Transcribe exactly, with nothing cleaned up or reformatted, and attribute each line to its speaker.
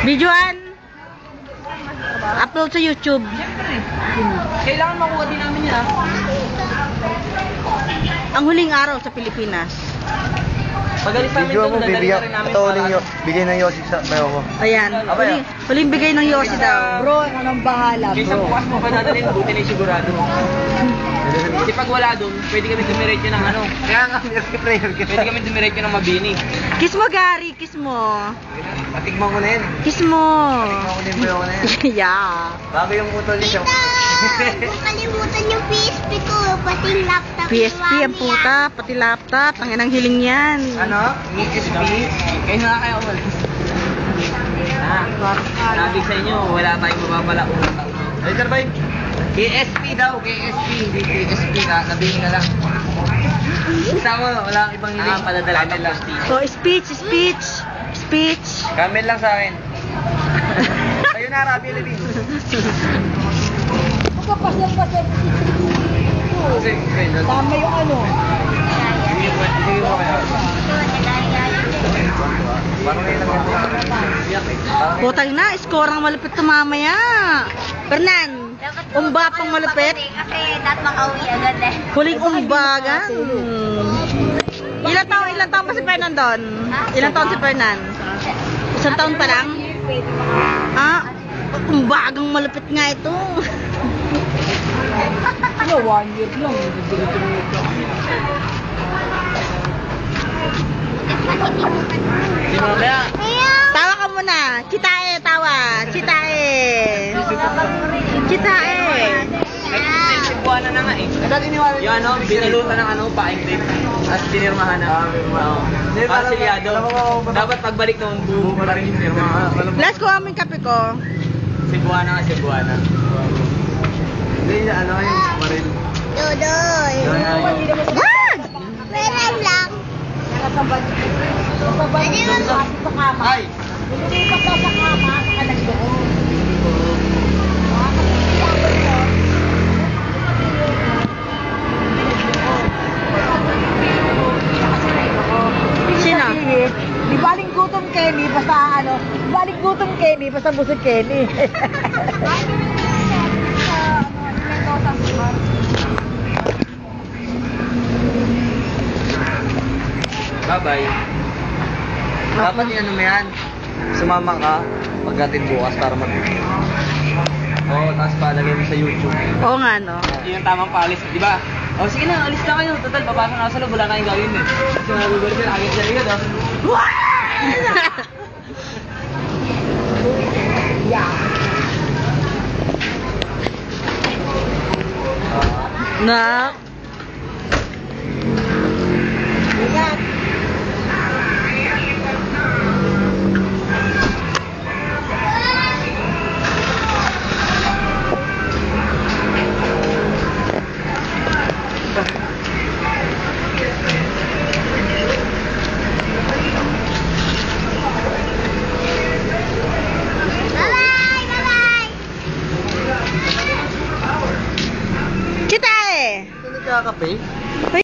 Speaker 1: Videoan. Upload sa YouTube.
Speaker 2: Siyempre. Kailangan makuha din namin yan.
Speaker 1: Ang huling araw sa Pilipinas.
Speaker 2: Pagalis namin
Speaker 3: Video
Speaker 2: doon,
Speaker 3: mo,
Speaker 2: dadalhin
Speaker 3: bibigyan.
Speaker 2: na rin namin
Speaker 3: Ito,
Speaker 2: para-
Speaker 3: huling yo- bigay ng Yossi sa bayo ko.
Speaker 1: Ayan. Huling, huling bigay ng Yossi daw.
Speaker 4: Bro, anong bahala,
Speaker 2: Kaysa
Speaker 4: bro?
Speaker 2: bukas mo pa dadalhin, buti na yung sigurado. Kasi pag wala doon, pwede kami dumiretso ng ano.
Speaker 3: Kaya nga, merky prayer ka.
Speaker 2: Pwede kami dumiretso ng Mabini.
Speaker 1: Kiss mo, Gary. Kiss mo.
Speaker 3: Patigman ko na yan.
Speaker 1: Kiss mo.
Speaker 3: Patigman ko na yung bayo ko na yan.
Speaker 1: Yeah.
Speaker 3: Bago yung utol niya.
Speaker 5: Huwag kalimutan yung P S P ko, pati yung laptop
Speaker 1: P S P ang puta, pati laptop. Ang inang hiling yan.
Speaker 3: Ano? E S P?
Speaker 2: Kayo na kayo umalis. Ah, sabi sa inyo, wala tayong mababala unang taon.
Speaker 3: Ay, sir, bye. K S P daw, K S P. Hindi K S P na, sabihin ka lang. Tama, wala kang ibang hiling.
Speaker 2: Ah, padadala
Speaker 3: Camel lang.
Speaker 1: So, speech, speech, speech.
Speaker 3: Camel lang sa akin. Kayo na, Rabi Levin.
Speaker 4: Magkapasal-pasal. Tama yung ano.
Speaker 3: Sige mo kayo. Parang ngayon lang yan.
Speaker 1: Putang na, score ang malupit to mamaya. Fernan, umba pang malupit.
Speaker 5: Kasi dapat makauwi agad eh.
Speaker 1: Huling umbagan. Ilang taon, ilang taon pa si Fernan doon? Ilang taon si Fernan? Isang taon pa lang? Ah, umbagang malupit nga ito.
Speaker 4: Ano, one year lang.
Speaker 2: Di ba kaya?
Speaker 1: Tawa ka muna. Chitae, tawa. Chitae. Chitae.
Speaker 2: Ay, Cebuana na nga eh. Yung ano, binilutan ng ano, paing tape. At pinirmahan na. Oo. Para silyado. Dapat pagbalik noon, buo pa rin yung pirma.
Speaker 1: Last ko aming kape ko.
Speaker 2: Cebuana nga, Cebuana.
Speaker 3: Hindi, ano kayo, maril.
Speaker 5: Dodoy.
Speaker 1: Wag!
Speaker 5: Meron lang. Pwede mo
Speaker 4: Sa kama.
Speaker 3: Ay!
Speaker 4: Lumilipat daw sa kama, saka nagdoon.
Speaker 1: Sino?
Speaker 4: Di baling gutom Kenny, basta ano, di baling gutom Kenny, basta busog Kenny.
Speaker 2: Bye-bye.
Speaker 3: Dapat yung ano mo yan, sumama ka pagdating bukas para mag... Oo, oh, tapos palagay mo sa YouTube.
Speaker 1: Oo nga, no?
Speaker 2: Yun yung tamang paalis, di ba? O sige na, alis na kayo. Total, papasok na ako sa loob, wala kayong gawin eh. Kasi nagugulit sila, agad siya agad.
Speaker 1: Na?
Speaker 5: Bye-bye! Bye-bye!
Speaker 1: Chitae!
Speaker 3: Ito nagkakape?